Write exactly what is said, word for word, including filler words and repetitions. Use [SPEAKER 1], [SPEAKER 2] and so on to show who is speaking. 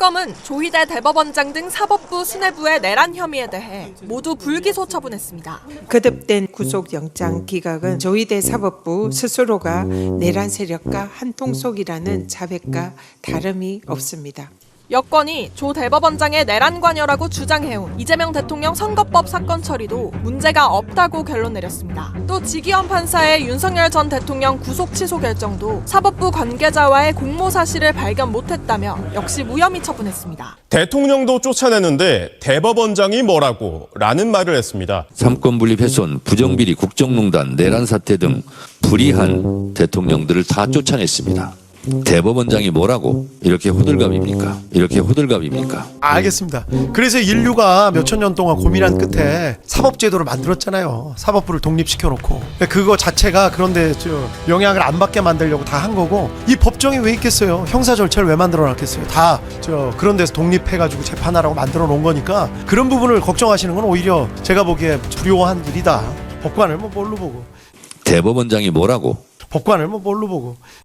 [SPEAKER 1] 특검은 조희대 대법원장 등 사법부 수뇌부의 내란 혐의에 대해 모두 불기소 처분했습니다.
[SPEAKER 2] 거듭된 구속영장 기각은 조희대 사법부 스스로가 내란 세력과 한통속이라는 자백과 다름이 없습니다.
[SPEAKER 1] 여권이 조 대법원장의 내란 관여라고 주장해온 이재명 대통령 선거법 사건 처리도 문제가 없다고 결론 내렸습니다. 또 지기현 판사의 윤석열 전 대통령 구속 취소 결정도 사법부 관계자와의 공모 사실을 발견 못했다며 역시 무혐의 처분했습니다.
[SPEAKER 3] 대통령도 쫓아내는데 대법원장이 뭐라고 라는 말을 했습니다.
[SPEAKER 4] 삼권 분립 훼손, 부정비리, 국정농단, 내란 사태 등 불이한 대통령들을 다 쫓아냈습니다. 대법원장이 뭐라고 이렇게 호들갑입니까? 이렇게 호들갑입니까?
[SPEAKER 5] 알겠습니다. 그래서 인류가 몇천 년 동안 고민한 끝에 사법제도를 만들었잖아요. 사법부를 독립시켜놓고 그거 자체가 그런데 저 영향을 안 받게 만들려고 다 한 거고, 이 법정이 왜 있겠어요? 형사 절차를 왜 만들어놨겠어요? 다 저 그런 데서 독립해가지고 재판하라고 만들어 놓은 거니까 그런 부분을 걱정하시는 건 오히려 제가 보기에 두려워한 일이다. 법관을 뭐 뭘로 보고
[SPEAKER 4] 대법원장이 뭐라고?
[SPEAKER 5] 법관을 뭐 뭘로 보고